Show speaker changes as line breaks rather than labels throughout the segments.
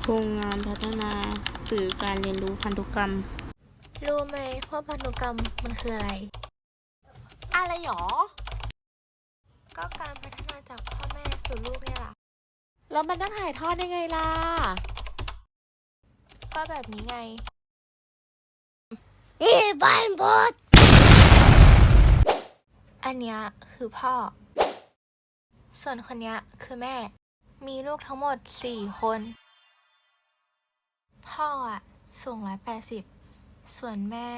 โครงงานพัฒนาสื่อการเรียนรู้พันธุกรรม
รู้ไหมว่าพันธุกรรมมันคืออะไร
อะไรหรอ
ก็การพัฒนาจากพ่อแม่สู่ลูกเนี่ยล่ะ
แล้วมันต้องถ่ายทอดยังไงล่ะ
ก็แบบนี้ไง
บ้านบด
อันเนี้ยคือพ่อ ส่วนคนเนี้ยคือแม่ มีลูกทั้งหมด4 คน พ่ออะสูง180ส่วนแม่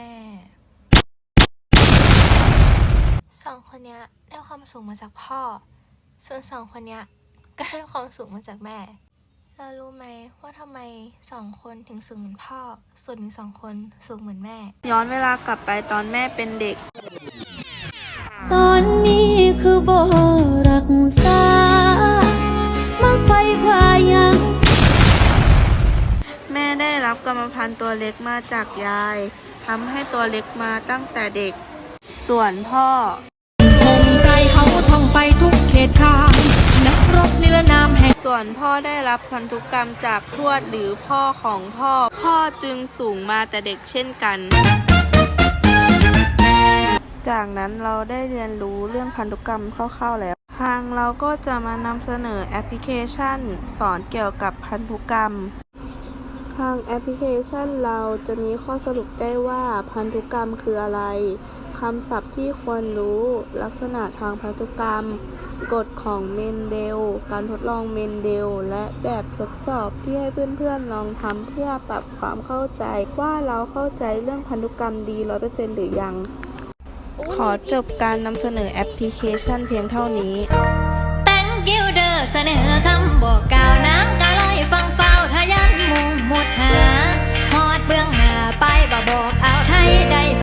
2 คนเนี้ยได้ความสูงมาจากพ่อ ส่วน2 คนเนี้ยก็ได้ความสูงมาจากแม่เรารู้ไหมว่าทำไม2 คนถึงสูงเหมือนพ่อ ส่วนอีก2 คนสูงเหมือนแม่
ย้อนเวลากลับไปตอนแม่เป็นเด็ก
ตอนนี้คือบ่รักษามักไปพายัง
แม่ได้รับกรรมพันธุ์ตัวเล็กมาจากยายทำให้ตัวเล็กมาตั้งแต่เด็ก ส่วนพ่อ
คงใจเขาท่องไปทุกเขตทางนักรบนิรนามแห่ง
ส่วนพ่อได้รับพันธุกรรมจากทวดหรือพ่อของพ่อ พ่อจึงสูงมาแต่เด็กเช่นกัน จากนั้นเราได้เรียนรู้เรื่องพันธุกรรมคร่าวๆแล้ว ทางเราก็จะมานำเสนอแอปพลิเคชันสอนเกี่ยวกับพันธุกรรม ทางแอปพลิเคชันเราจะมีข้อสรุปได้ว่าพันธุกรรมคืออะไร คำศัพท์ที่ควรรู้ ลักษณะทางพันธุกรรม กฎของเมนเดล การทดลองเมนเดล และแบบทดสอบที่ให้เพื่อนๆลองทำเพื่อปรับความเข้าใจว่าเราเข้าใจเรื่องพันธุกรรมดี 100% หรือยัง ขอจบการนำเสนอแอปพลิเคชันเพียงเท่านี้
Thank you เด้อเสนอคำบอกกล่าวนางกะลอยฟังเฝ้าทะยันมุ่งหมดหาฮอดเบื้องหน้าไปบ่บอกเอาไทยได้